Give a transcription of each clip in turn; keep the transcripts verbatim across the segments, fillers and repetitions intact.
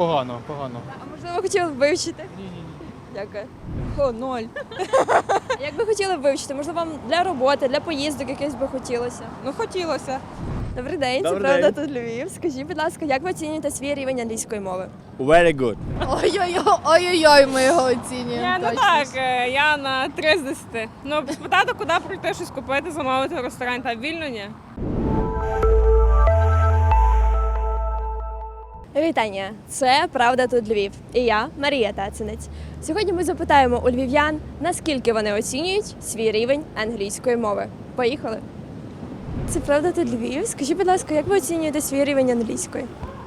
погано, погано. А можливо, хотіли б вивчити? Ні, ні, ні. Дякую. О, ноль. А як би хотіли б вивчити? Можливо, вам для роботи, для поїздок якихось би хотілося? Ну, хотілося. Добрий день, це Добрий правда день. тут Львів. Скажіть, будь ласка, як ви оцінюєте свій рівень англійської мови? Very good. Ой-ой-ой, ой-ой-ой, ми його оцінюємо. Я, ну точно. так, е, я на три з десяти. Ну, спитати, куди прийти, щось купити, замовити в ресторані, та вільно ні. Вітання! Це Правда тут Львів. І я, Марія Тацинець. Сьогодні ми запитаємо у львів'ян, наскільки вони оцінюють свій рівень англійської мови. Поїхали! Це Правда тут Львів. Скажіть, будь ласка, як ви оцінюєте свій рівень англійської?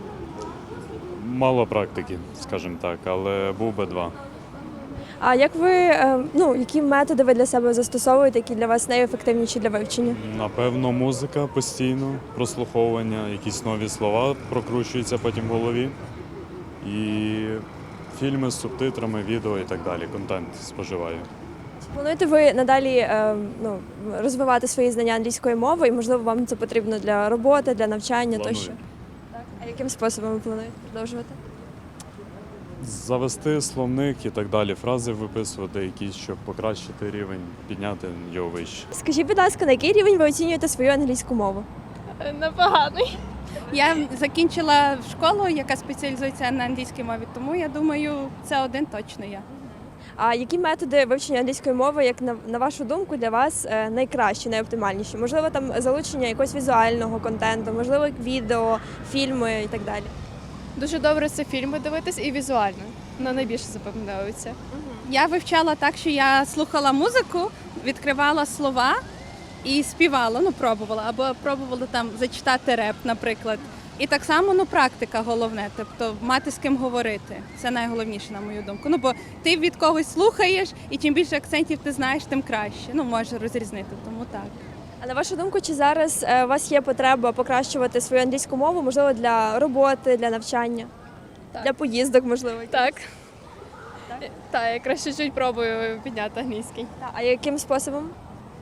Мало практики, скажімо так, але був би два. А як ви, е, ну, які методи ви для себе застосовуєте, які для вас найефективніші для вивчення? Напевно, музика постійно, прослуховування, якісь нові слова прокручуються потім в голові. І фільми з субтитрами, відео і так далі. Контент споживаю. Чи плануєте ви надалі е, ну, розвивати свої знання англійської мови, і, можливо, вам це потрібно для роботи, для навчання Планую. тощо? Так. А яким способом ви плануєте продовжувати? Завести словник і так далі, фрази виписувати якісь, щоб покращити рівень, підняти його вище. Скажіть, будь ласка, на який рівень ви оцінюєте свою англійську мову? Непоганий. Я закінчила школу, яка спеціалізується на англійській мові, тому я думаю, це один точно я. А які методи вивчення англійської мови, як на, на вашу думку, для вас е, найкращі, найоптимальніші? Можливо, там залучення якогось візуального контенту, можливо, відео, фільми і так далі? Дуже добре це фільми дивитись і візуально. Ну, найбільше запам'ятовується. Я вивчала так, що я слухала музику, відкривала слова і співала, ну пробувала, або пробувала там зачитати реп, наприклад. І так само, ну, практика головне, тобто мати з ким говорити. Це найголовніше, на мою думку. Ну, бо ти від когось слухаєш, і чим більше акцентів ти знаєш, тим краще. Ну, можеш розрізнити, тому так. А на вашу думку, чи зараз е, у вас є потреба покращувати свою англійську мову, можливо, для роботи, для навчання, Так. для поїздок, можливо? Так. Так, я краще чуть пробую підняти англійський. Та, а яким способом?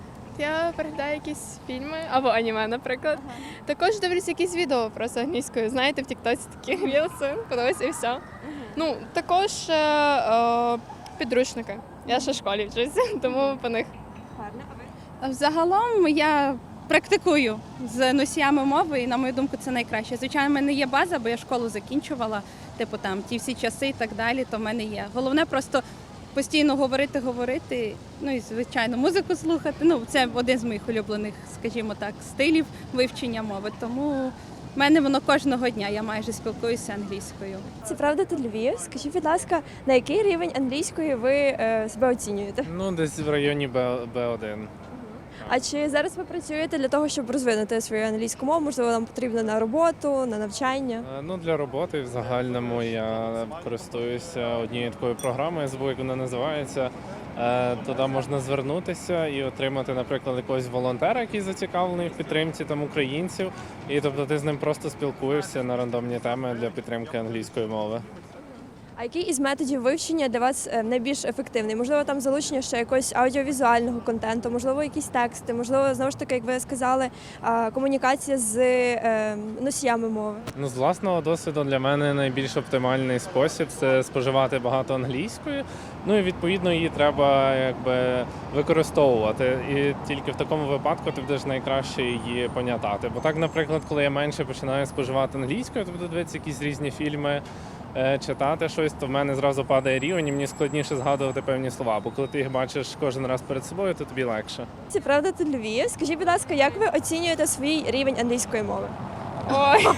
Я переглядаю якісь фільми або аніме, наприклад. Також дивлюсь якісь відео просто англійською. Знаєте, в Тіктоці такі рілси, подивись і все. Ну, також е, е, підручники. Я ще в школі вчуся, тому по них. Гарно, а ви? Взагалом я практикую з носіями мови, і на мою думку, це найкраще. Звичайно, в мене є база, бо я школу закінчувала, типу там ті всі часи і так далі, то в мене є. Головне просто постійно говорити, говорити, ну і звичайно музику слухати. Ну, це один з моїх улюблених, скажімо так, стилів вивчення мови. Тому в мене воно кожного дня, я майже спілкуюся англійською. Це Правда тут Львів. Скажіть, будь ласка, на який рівень англійської ви е, себе оцінюєте? Ну, десь в районі Б один. А чи зараз ви працюєте для того, щоб розвинути свою англійську мову? Можливо, вам потрібно на роботу, на навчання? Е, Ну, для роботи в загальному я користуюся однією такою програмою, я забув, як вона називається. Е, Туди можна звернутися і отримати, наприклад, якогось волонтера, який зацікавлений в підтримці там українців. І тобто ти з ним просто спілкуєшся на рандомні теми для підтримки англійської мови. А який із методів вивчення для вас е, найбільш ефективний? Можливо, там залучення ще якогось аудіовізуального контенту, можливо, якісь тексти, можливо, знову ж таки, як ви сказали, а, комунікація з е, носіями мови. Ну, з власного досвіду для мене найбільш оптимальний спосіб це споживати багато англійської. Ну і відповідно її треба якби використовувати. І тільки в такому випадку ти будеш найкраще її пам'ятати. Бо так, наприклад, коли я менше починаю споживати англійською, то буду дивитися якісь різні фільми, е, читати щось, то в мене зразу падає рівень, і мені складніше згадувати певні слова. Бо коли ти їх бачиш кожен раз перед собою, то тобі легше. Це Правда тут Львів. Скажіть, будь ласка, як ви оцінюєте свій рівень англійської мови? Ой,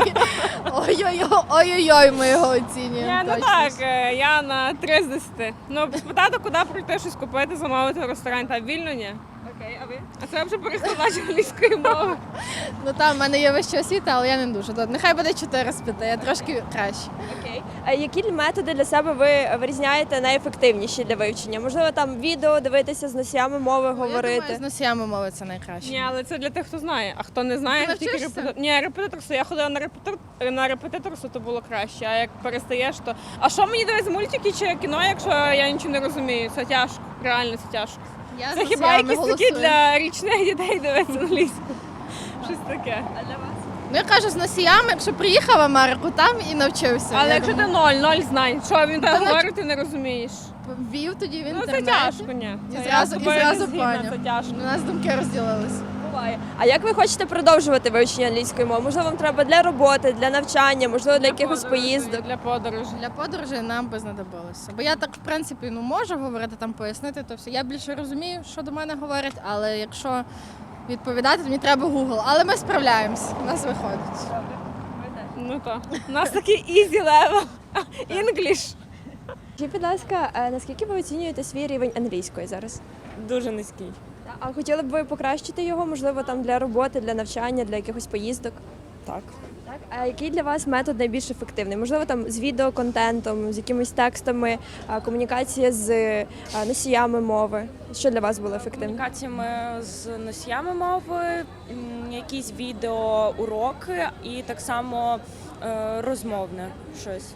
Ой-ой-ой, ой-ой-ой, ми його оцінюємо. я, ну точно. так, е, я на три з десяти. Ну, спитати, куди прийти, щось купити, замовити в ресторані, та вільно ні. Окей, а ви? А це вже перекладач англійської мови. Ну там в мене є вища освіта, але я не дуже. Добре. Нехай буде чотири з п'яти, я трошки краще. Окей. А які методи для себе ви вирізняєте найефективніші для вивчення? Можливо, там відео дивитися з носіями мови, Я думаю, говорити? з носіями мови це найкраще. Ні, але це для тих, хто знає. А хто не знає, Ти тільки навчишся? репетитор. Ні, репетиторство. Я ходила на репетитор на репетиторство, то було краще. А як перестаєш, то а що мені дивитися, мультики чи кіно, якщо я нічого не розумію? Це тяжко, реально це тяжко. Я з Це хіба носіями якісь такі голосую. для річних дітей дивитися англійську? Щось таке. А для вас? Ну, я кажу, з носіями, якщо приїхав в Америку, там і навчився. Але Я якщо ти думаю, ноль, ноль знань, що він Та так не- говорить, ти не розумієш. ввів тоді в Ну це інтернет. тяжко, ні. І Це я зразу- з і тобою зразу не згідна, поняв. Це тяжко. У нас думки розділились. Буває. А як ви хочете продовжувати вивчення англійської мови? Можливо, вам треба для роботи, для навчання, можливо, для якихось подорожей, поїздок. Для подорожі. Для подорожей нам би знадобилося. Бо я так, в принципі, ну можу говорити, там пояснити, то все. Я більше розумію, що до мене говорять, але якщо відповідати, то мені треба Google. Але ми справляємось, у нас виходить. Ну так. У нас такий easy level. English. Скажіть, будь ласка, е, наскільки ви оцінюєте свій рівень англійської зараз? Дуже низький. А хотіли б ви покращити його, можливо, там для роботи, для навчання, для якихось поїздок? Так. Так. А який для вас метод найбільш ефективний? Можливо, там з відеоконтентом, з якимись текстами, а, комунікація з е, носіями мови. Що для вас було ефективно? Комунікаціями з носіями мови, м, якісь відеоуроки і так само е, розмовне щось.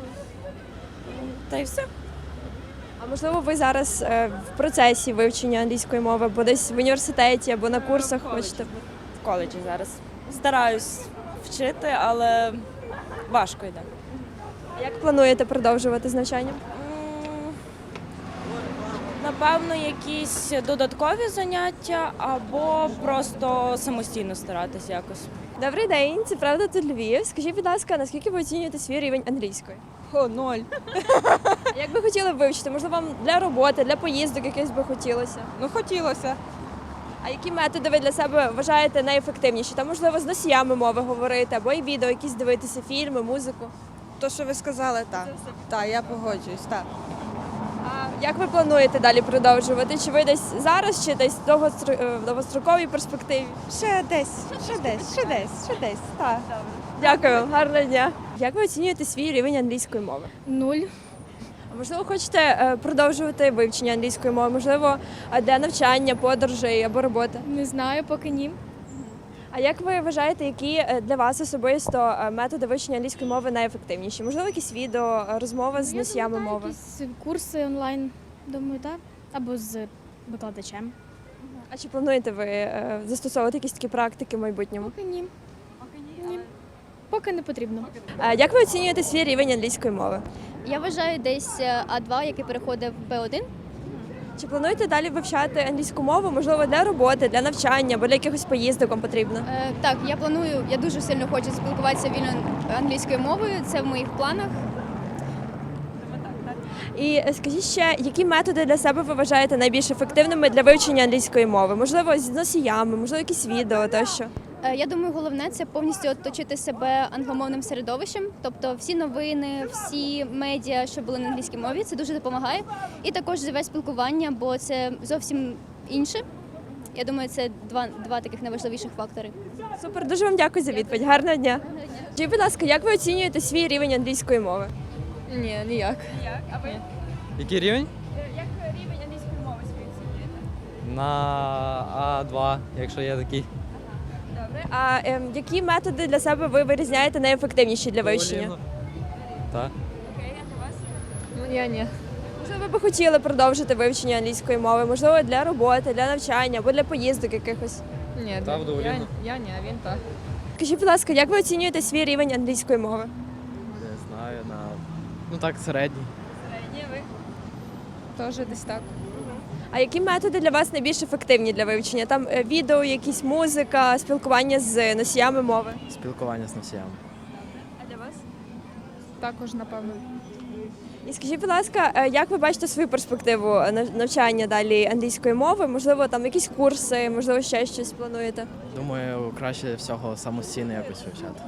Та й все. А можливо, ви зараз е, в процесі вивчення англійської мови, або десь в університеті, або на курсах хочете? В коледжі зараз. Стараюсь вчити, але важко йде. А як плануєте продовжувати з навчанням? М, Напевно, якісь додаткові заняття або просто самостійно старатись якось. Добрий день, це правда тут Львів. Скажіть, будь ласка, наскільки ви оцінюєте свій рівень англійської? О, ноль. А як би хотіли б вивчити? Можливо, вам для роботи, для поїздок якихось би хотілося? Ну хотілося. А які методи ви для себе вважаєте найефективніші? Там, можливо, з носіями мови говорити, або і відео, якісь дивитися, фільми, музику. То, що ви сказали, так. Так, я погоджуюсь, так. А як ви плануєте далі продовжувати? Чи ви десь зараз, чи десь в довгостро- е, в довгостроковій перспективі? Ще десь, ще десь, ще десь, ще десь, так. Дякую, гарного дня. Як ви оцінюєте свій рівень англійської мови? Нуль. А можливо, хочете е, продовжувати вивчення англійської мови? Можливо, е, для навчання, подорожей або роботи? Не знаю, поки ні. А як ви вважаєте, які е, для вас особисто е, методи вивчення англійської мови найефективніші? Можливо, якісь відео, е, розмова з носіями мови? Якісь курси онлайн, думаю, так. Або з викладачем. А чи плануєте ви е, застосовувати якісь такі практики в майбутньому? Поки ні. Ні. Поки не потрібно. А як ви оцінюєте свій рівень англійської мови? Я вважаю десь е, А два, який переходив в Б один. Чи плануєте далі вивчати англійську мову, можливо, для роботи, для навчання або для якихось поїздок вам потрібно? Е, Так, я планую, я дуже сильно хочу спілкуватися вільно англійською мовою. Це в моїх планах. І е, скажіть ще, які методи для себе ви вважаєте найбільш ефективними для вивчення англійської мови? Можливо, з носіями, можливо, якісь відео тощо. Е, Я думаю, головне це повністю оточити себе англомовним середовищем. Тобто всі новини, всі медіа, що були на англійській мові, це дуже допомагає. І також живе спілкування, бо це зовсім інше. Я думаю, це два, два таких найважливіших фактори. Супер, дуже вам дякую за відповідь. Гарного дня. Скажіть, будь ласка, як ви оцінюєте свій рівень англійської мови? Ні, ніяк. Який рівень? Як рівень англійської мови свій оцінюєте? На А два, якщо є такий. Добре. А ем, які методи для себе ви вирізняєте найефективніші для вивчення? Duolingo. Так. Окей, а для вас? Ну я ні. Можливо, ви б хотіли продовжити вивчення англійської мови, можливо, для роботи, для навчання або для поїздок якихось. Ні, Та, в Duolingo. я, я ні, а він так. Скажіть, будь ласка, як ви оцінюєте свій рівень англійської мови? Не знаю, на. Ну так, середній. Ні, ви. Теж десь так. А які методи для вас найбільш ефективні для вивчення? Там е, відео, якісь музика, спілкування з носіями мови. Спілкування з носіями. А для вас? Також, напевно. І скажіть, будь ласка, е, як ви бачите свою перспективу е, нав- навчання далі англійської мови? Можливо, там якісь курси, можливо, ще щось плануєте? Думаю, краще всього самостійно якось вивчати.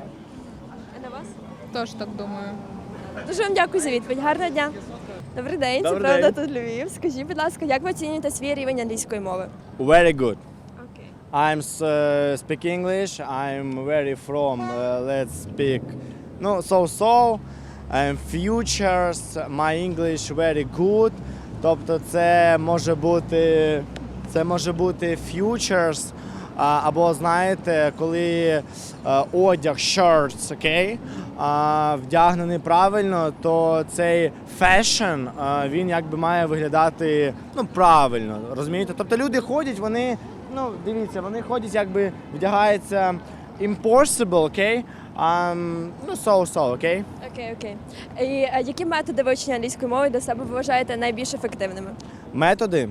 А на вас? Теж так думаю. Дуже вам дякую за відповідь. Гарного дня. Добрий день, це Добрий правда день. тут Львів. Скажіть, будь ласка, як ви оцінюєте свій рівень англійської мови? Very good. Окей. I'm uh, speak English. I'm very from. Uh, let's speak. No, so so. I'm futures. My English very good. Тобто це може бути це може бути futures, а, або знаєте, коли е, одяг shirts, окей, а, вдягнений правильно, то цей fashion, а, він якби має виглядати ну правильно, розумієте? Тобто люди ходять, вони ну дивіться, вони ходять, якби вдягаються impossible, okay? Um, ну, so-so, okay? Окей, окей. І е, які методи вивчення англійської мови для себе ви вважаєте найбільш ефективними? Методи?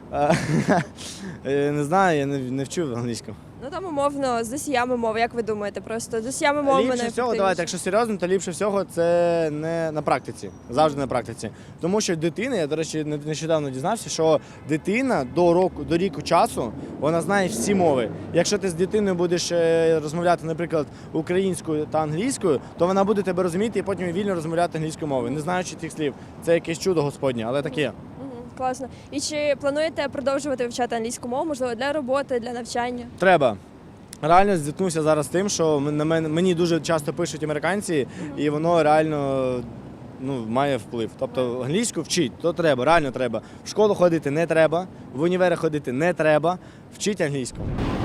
Е, Не знаю, я не, не вчу англійську. Ну там умовно з носіями мови, як ви думаєте, просто з носіями мови Ліпше всього, найефективніше? давайте, якщо серйозно, то ліпше всього це не на практиці. Завжди на практиці. Тому що дитина, я, до речі, не- нещодавно дізнався, що дитина до року, до ріку часу, вона знає всі мови. Якщо ти з дитиною будеш е, розмовляти, наприклад, українською та англійською, то вона буде тебе розуміти і потім вільно розмовляти англійською мовою, не знаючи тих слів. Це якесь чудо Господнє, але таке. Мгм, класно. І чи плануєте продовжувати вивчати англійську мову, можливо, для роботи, для навчання? Треба. Реально зіткнувся зараз з тим, що м- на мене мені дуже часто пишуть американці, і воно реально ну, має вплив. Тобто англійську вчить, то треба, реально треба. В школу ходити не треба, в універи ходити не треба, вчіть англійську.